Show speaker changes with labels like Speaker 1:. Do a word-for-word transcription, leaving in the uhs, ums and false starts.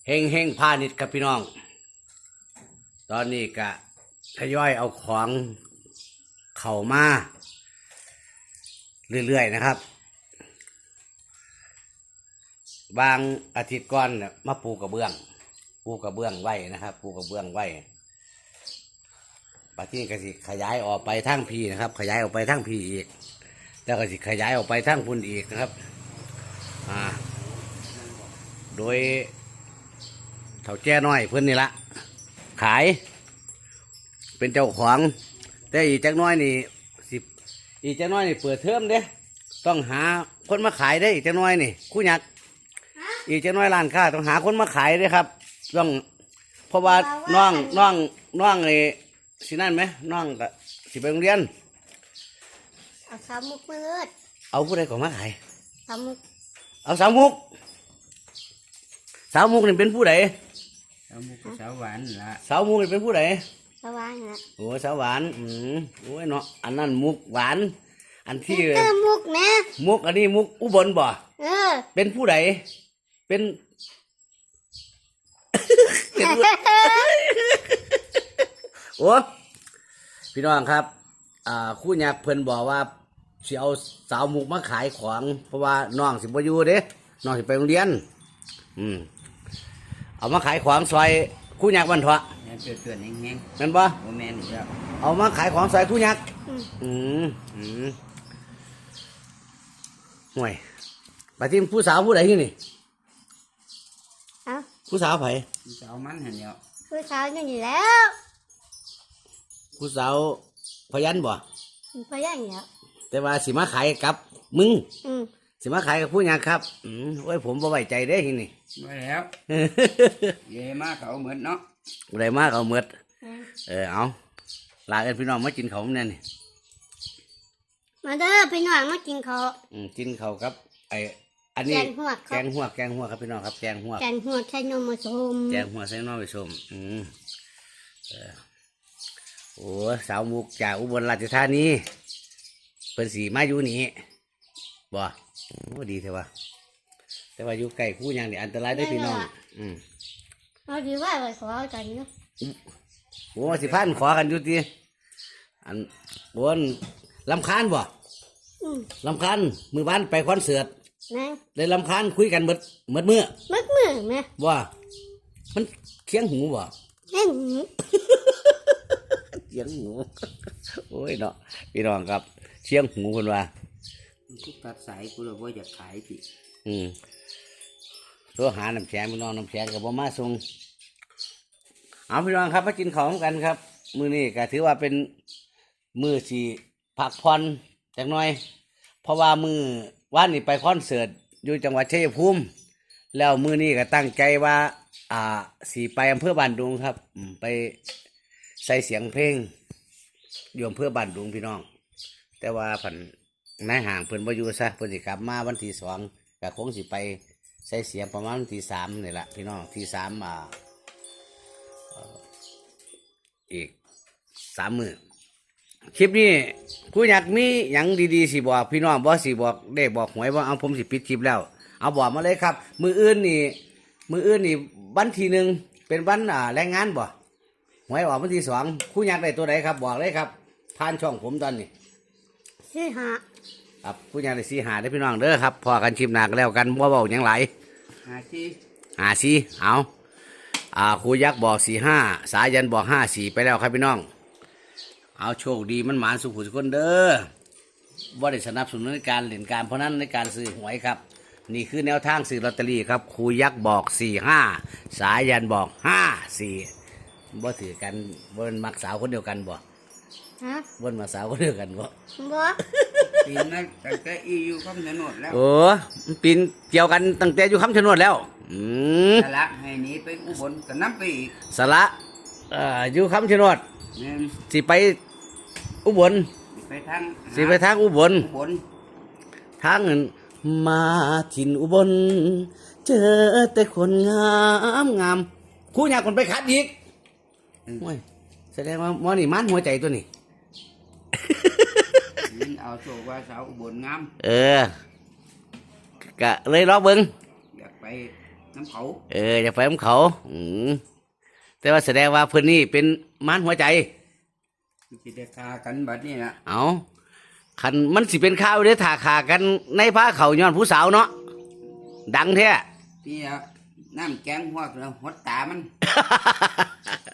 Speaker 1: เฮงเฮงพาณิชย์ครับพี่น้อง ตอนนี้กะทยอยเอาของเข้ามาเรื่อยๆนะครับ บางอาทิตย์ก่อนเนี่ยมาปูกระเบื้อง ปูกระเบื้องไว้นะครับ ปูกระเบื้องไว้ปัจจุบันก็สิขยายออกไปทั้งพีนะครับ ขยายออกไปทั้งพีอีก แล้วก็สิขยายออกไปทั้งพุ่นอีกนะครับอ่าโดยเถ่าแจ้น้อยเพื่อนนี่ละขายเป็นเจ้าของแต่อีกจักน้อยนี่สิอีกจักน้อยนี่เปิดเทอมเด้ต้องหาคนมาขายได้อีกจักน้อยนี่คู่ยักษ์อีกจักน้อยร้านค้าต้องหาคนมาขายได้ครับต้องเพราะว่าน้องน้องน้องไอ้สินั่นไหมน้องก็สิไปโรงเรียน
Speaker 2: เอาสามมุกมืด
Speaker 1: เอาผู้ใดก่อนมาขาย
Speaker 2: สามมุก
Speaker 1: เอาสาวมุกสาวมุกนี่เป็นผู้ใด
Speaker 3: สาวมุกสาวหวานละ
Speaker 1: สาวมุกนี่เป็นผู้ใด
Speaker 2: สวานนะ
Speaker 1: โอ้สาวหวานอืมโอ้ยเนาะอันนั้นมุกหวานอันที่
Speaker 2: เออมุกนะ
Speaker 1: มุกอันนี้มุกอุบลบ่
Speaker 2: เออ
Speaker 1: เป็นผู้ใดเป็นโอ้พี่น้องครับอ่าคู่ยักษ์เพิ่นบอกว่าสิเอาสาวมุกมาขายของเพราะว่าน้องสิบ่อยู่เด้น้องสิไปโรงเรียนอืมเอามาขายของซอยคู่ยักษ์วันเถาะ
Speaker 3: เกิดเกิดแห้ง
Speaker 1: ๆแม่นบ่
Speaker 3: โอแมนอีกแล้ว
Speaker 1: เอามาขายของซอยคู่ยักษ์อืมอืมห่วยไปที่ผู้สาวผู้ใดที่นี่
Speaker 2: เอ้า
Speaker 1: ผู้สาวไผ
Speaker 3: สาวมันเห็นเดียว
Speaker 2: ผู้สาวนี่อยู่แล้ว
Speaker 1: ผู้สาวพยันบ่
Speaker 2: พยันเนี่ย
Speaker 1: แต่ว่าสิมาขายกับมึง
Speaker 2: อืม
Speaker 1: สิมาขายกับผู้ยังครับอืมโอ้ยผมบ่ไว้ใจเด้ทีนี่
Speaker 3: ไว้แล้วเย่มากเขาเหมือนเนาะ
Speaker 1: อะไรมากเอาเมือดเออเอาลาเอ็นพี่น้องมากินเขาเนี่ยนี่
Speaker 2: มาเด้อพี่น้องมากินเขา
Speaker 1: อืมกินเขาครับไออันนี้
Speaker 2: แกงหัว
Speaker 1: แกงหัวแกงหัวครับพี่น้องครับแกงหัว
Speaker 2: แกงหัวใช้นมผสม
Speaker 1: แกงหัวใส่นมผสมอืมเออโอ้สาวมุกจากอุบลราชธานีเป็นสีมาอยู่นี่บ่โอ้ดีเถอะวะแต่ว่าอยู่ใกล้คู่ยังนี่อันตรายได้พี่น้องอืม
Speaker 2: เอาดีว่าไปขอกันเนาะ
Speaker 1: โอ้สิพันขอกันอยู่ทีอันบนลำคาญบ่ลำคาญมือบ้านไปคอนเสิร์ตเลยลำคาญคุยกันเบิดเบิดมือ
Speaker 2: เบิดมือไหม
Speaker 1: ว่ามันเคียงหูบ่
Speaker 2: เคียงหู
Speaker 1: เคียงหูโอ้ยเนาะพี่น้องครับเชียงหูคนว่า
Speaker 3: กูตัดสายกูเลยว่าอยากขายสิ
Speaker 1: อืมโทรหาน้ำแข็งพี่น้องน้ำแข็งกับบ่มาส่งเอาพี่น้องครับมากินของกันครับมื้อนี้ก็ถือว่าเป็นมื้อที่พักผ่อนจักหน่อยเพราะว่ามื้อวันนี้ไปคอนเสิร์ตอยู่จังหวัดชัยภูมิแล้วมื้อนี้ก็ตั้งใจว่าอ่าสิไปอำเภอบ้านดุงครับไปใส่เสียงเพลงอยู่อำเภอบ้านดุงพี่น้องแต่ว่าผันนายห่างเพิ่นบ่อยู่ซะเพิ่นสิกลับมาวันที่สองก็คงสิไปใส่เสียงประมาณวันที่สามนี่แหละพี่น้องที่สามอ่าอีกสามมื้อคลิปนี้ผู้อยากมีหยังดีๆสิบอกพี่น้องบ่สิบอกได้บอกหวยบ่เอาผมสิปิดคลิปแล้วเอาบอกมาเลยครับมื้ออื่นนี่มื้ออื่นนี่วันที่หนึ่งเป็นวันอ่าแรงงานบ่หวยออกวันที่สองผู้อยากได้ตัวไหนครับบอกเลยครับผ่านช่องผมตอนนี้
Speaker 2: สี่หา
Speaker 1: ครับผู้อยากได้สี่หาได้พี่น้องเด้อครับพอกันคลิปหน้าก็แล้วกันบ่เว้าหยังหลาย
Speaker 3: หาสี่
Speaker 1: หาสี่เอาอ่าครูยักษ์บอกสี่ห้าสายันบอกห้าสี่ไปแล้วครับพี่น้องเอาโชคดีมันหมานสุขสุขคนเด้อว่าได้สนับสนุนในการเล่นการเพราะนั้นในการซื้อหวยครับนี่คือแนวทางซื้อลอตเตอรี่ครับครูยักษ์บอกสี่ห้าสายันบอกห้าสี่บ่ถือกันบ่เป็นมักสาวคนเดียวกันบ่
Speaker 2: ฮะ
Speaker 1: บ่มาสาวคนเดียวกันบ่
Speaker 2: บ่
Speaker 3: ปีนั้นตั้งแต่อีอยู่คำชะโนดแล้ว
Speaker 1: โอ้ปีนเกี่ยวกันตั้งแต่อยู่คำชะโนดแล้วอืม
Speaker 3: สละให้หนีไปอุบลก็นับไปอีก
Speaker 1: สละเอ่ออยู่คำชะโนดสิไปอุบล
Speaker 3: ไปทาง
Speaker 1: สิไปทางอุบล
Speaker 3: อุบล
Speaker 1: ทางเงินมาถิ่นอุบลเจอแต่คนงามงามคู่อยากคนไปคัดอีกโอ้ยแสดงว่าหมอนี่มันหัวใจตัวนี้
Speaker 3: เอาโชว์ว่าสาวอุบลงาม
Speaker 1: เออกะเลยรอเบิ้ง
Speaker 3: อยากไปน้ำเขา
Speaker 1: เอออยากไปของเขา อืมแต่ว่าแสดงว่าเพิ่นนี่เป็นม้านหัวใจ
Speaker 3: สิได้ฆ่ากันบัดนี้นะ
Speaker 1: เอาคันมันสิเป็นข้าวเด้อถ้าขากันในผ้าเขาย้อนผู้สาวเนาะดังแท้
Speaker 3: พี่อะน้ำแกงหัวกแล้วหดตามัน